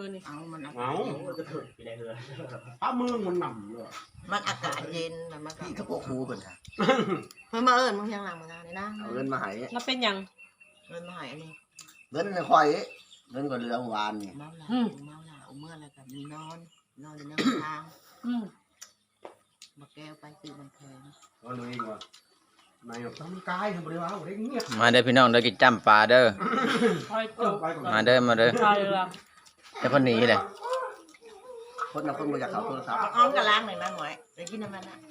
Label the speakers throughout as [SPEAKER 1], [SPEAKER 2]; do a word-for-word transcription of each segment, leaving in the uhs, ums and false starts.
[SPEAKER 1] นี่เอามัน
[SPEAKER 2] เอาก็ถึงไปได้เลยป้ามือมันหนำเลย
[SPEAKER 1] มันอากาศเย็นแต่มัน
[SPEAKER 3] พี่กับพวกครูเพิ่นค่ะ
[SPEAKER 1] เพิ่นมาเอิ้นมึงยังหลังมึงนะนี่นะ
[SPEAKER 3] เอาเงินมาให้
[SPEAKER 4] แล้วเป็นยัง
[SPEAKER 1] เงินมาให้อันนี้
[SPEAKER 3] เงินค่อยเงินก็เหลือเมื่อวานนี่
[SPEAKER 1] เมาหลาเมาหลาเอาเมื่ออะไรกับนอนนอนอยู่ในทาง
[SPEAKER 4] อืม
[SPEAKER 1] มาแก้วไปตื่นมันแพง
[SPEAKER 2] ก็เลยว่าในทำกายทำบริวารได้เงียบ
[SPEAKER 5] มาเด้อพี่น้องเด้อกินจ้ำปลาเด้อ
[SPEAKER 4] คอยจุก
[SPEAKER 5] มาเด้อมาเด้อ
[SPEAKER 4] คอยละ
[SPEAKER 5] แต่คนหนีเลย
[SPEAKER 3] คนน่ะคนบ่อยากเข้าโทรศัพท์
[SPEAKER 1] อ้อมกระล้างหน่อยนะหน่อยไปกินน้ำมันนะ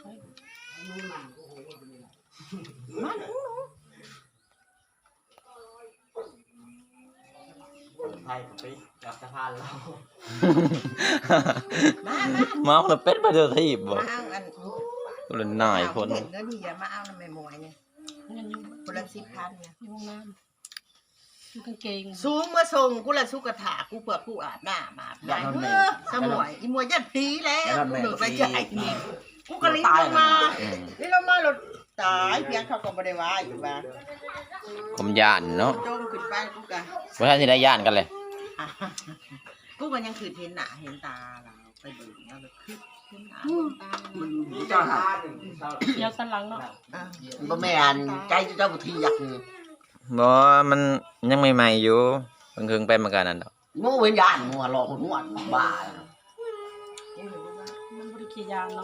[SPEAKER 2] ไทยไปกับสะพานเรา
[SPEAKER 1] มามา
[SPEAKER 5] เมาแล้วเป็ดไปเจอที่บ่
[SPEAKER 1] มาเอาอัน
[SPEAKER 5] ก็เลยนายคน
[SPEAKER 1] เห็นแล้วนี่อย่ามาเอาน้ำแม่มวยเนี่ย
[SPEAKER 4] เงินอยู่
[SPEAKER 1] คนละสิบพันเนี่ย
[SPEAKER 4] อยู่ห้องน้ำอยู่กางเกง
[SPEAKER 1] สูงมาส่งกูละสุกถากูเปิดกูอาบน้ำอาบน้ำเออสมวยอีมวยยัดผีแล้วกูเหลือไปใจนี่กูก็ลิ้นลงมาลิ้นลงมาหลุดตายเพียงเขาก็ไม่ได้ว่าอยู่บ้าน
[SPEAKER 5] ผมย่านเนาะ
[SPEAKER 1] โจมขึ้นไปกูกะ
[SPEAKER 5] บ่ทันสิได้ย่านกันเลย
[SPEAKER 1] กูก็ยังคือเห็นหน้าเห็นตาเราไปดูแล้วคือเห็นหน้าเห็นตา
[SPEAKER 2] มีเจ้าหา
[SPEAKER 4] เดี๋ยวสันหลังเนาะ
[SPEAKER 1] อ่ะ
[SPEAKER 3] บ่แม่นใจเจ้าบ่ที่อยากนี่
[SPEAKER 5] บ่มันยังใหม่ๆอยู่เพิ่งเพิ่งไปมากันนั่นดอก
[SPEAKER 3] โง่เว้นยานงัวรอคนหัวบ้า
[SPEAKER 4] มันบริขียางเนาะ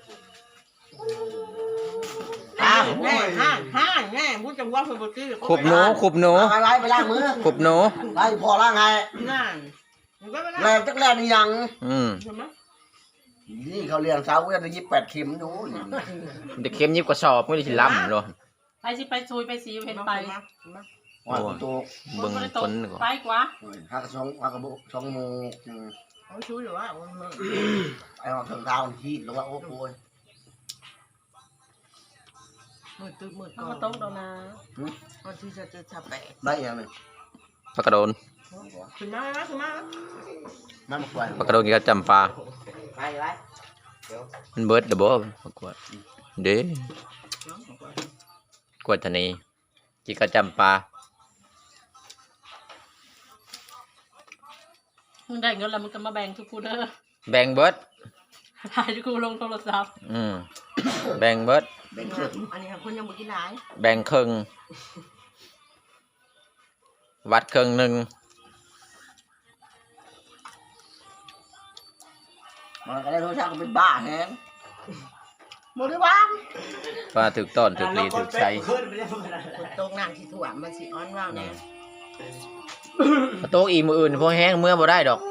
[SPEAKER 1] อ้าวแน่ห้างห้างแน่พูดจังว่าคนบตื้อ
[SPEAKER 5] ขุบหนูขุบหนู
[SPEAKER 3] ไปไปไปล้างมือ
[SPEAKER 5] ขุบหนู
[SPEAKER 3] ไปพอล้างไง
[SPEAKER 1] นั่นมันก็ไม่ได้
[SPEAKER 3] แรงจักแรงนี่ยัง
[SPEAKER 5] อืม
[SPEAKER 1] ใช่ไหม
[SPEAKER 3] นี่เขาเรียนสาวก็ได้ยี่สิบแปดเข็มอยู่
[SPEAKER 5] เด็กเข้มยิบกระสอบมื้อนี้สิล้ำเนาะ
[SPEAKER 4] ไปสิไปซุยไปสีเห็นไป
[SPEAKER 3] ว่าโต
[SPEAKER 5] เบิ่งคนก่อน
[SPEAKER 4] ไปกว่า
[SPEAKER 3] ฮักสองฮักกระโบสองโมง
[SPEAKER 1] เขาช่วยหรือว่ามัน
[SPEAKER 3] ไอ้หอกถึงเท้าที่หรือว่าโอ้โห
[SPEAKER 1] มืดตึ๊บมืด
[SPEAKER 4] เขา
[SPEAKER 1] ก่อ
[SPEAKER 4] ก็
[SPEAKER 1] น
[SPEAKER 4] ตกดอกนะ
[SPEAKER 1] วันที่จะจะชับแปะ
[SPEAKER 3] ได้ยังเลย
[SPEAKER 5] ปลากระโดน
[SPEAKER 1] ขึ้นมาแล้วขึ้นมาแล้ว
[SPEAKER 3] มันมาควาย
[SPEAKER 5] ปลากระโดนกินกับจำปลา
[SPEAKER 2] ไปไป
[SPEAKER 5] มันเบิดเด้อบ่ประกวดเด้กวดทะนีกินกับจำปลา
[SPEAKER 4] มึงได้เงินแล้วมึงก็มาแบ่งทุกคูเด้อ
[SPEAKER 5] แบ่งเบิด
[SPEAKER 4] ถ่ายทุกคูลงโทรศัพท์
[SPEAKER 5] อืมแบ่งเบิด
[SPEAKER 3] เป็นเครื่อง
[SPEAKER 1] อันนี้คนยังบ่กินหลาย
[SPEAKER 5] แบ่งครึ่งวัดครึ่งหนึ่ง
[SPEAKER 3] มันก็ได้โทรศัพท์ก็เป็นบ้าแฮงบริวาร
[SPEAKER 5] ว่าถึกต้นถึกลีถึกใช้
[SPEAKER 2] ขึ้นไปได้ขนาด
[SPEAKER 1] ตรงน้ำที่ถ่วมมันสิอ้อนว่าวแน่
[SPEAKER 5] โต๊ะอีมืออื่นพวกแห้งเมื่อบ่ได้ดอก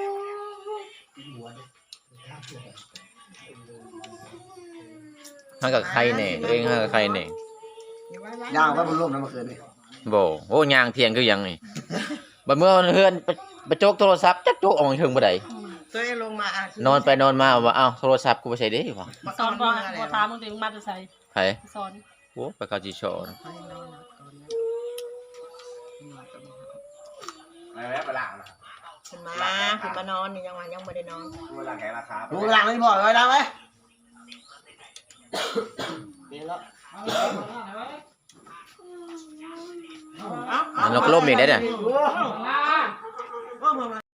[SPEAKER 5] ห้ากับใครเนี่ยตัวเองห้ากับใครเนี่ย
[SPEAKER 3] ย่างไว้บนร่มนั่นเมื่อคืนนี่
[SPEAKER 5] โบโอ้ยางเทียงคือหยังนี่บัดเมื่อเฮือนไปไปโจกโทรศัพท์จักโจกออกมาถึงบ่ได้
[SPEAKER 1] ตัวเองลงมาอ่ะ
[SPEAKER 5] นอนไปนอนมาว่าอ้าวโทรศัพท์กูไปใส่ได้บ่
[SPEAKER 1] มา
[SPEAKER 4] สอน
[SPEAKER 1] ก่
[SPEAKER 4] บ่
[SPEAKER 1] อน
[SPEAKER 4] บ่ถามมึงถึงมาจะใส่
[SPEAKER 5] ไผ
[SPEAKER 4] สอน
[SPEAKER 5] โอ้ไปเข้าจิโชว์
[SPEAKER 2] ไปแล้วไปล่างนะ
[SPEAKER 1] ขึ้นมาขึ้นมานอนนี่ยังวันยังไม่ได้นอน
[SPEAKER 2] เวลาแข่งราคา
[SPEAKER 3] รู้หลังนี่บ่อยไว้ดังไหม
[SPEAKER 2] นี่แล้ว
[SPEAKER 1] เอ้า
[SPEAKER 5] มันลกล่มอีกได้เนี่ย
[SPEAKER 1] ก็มา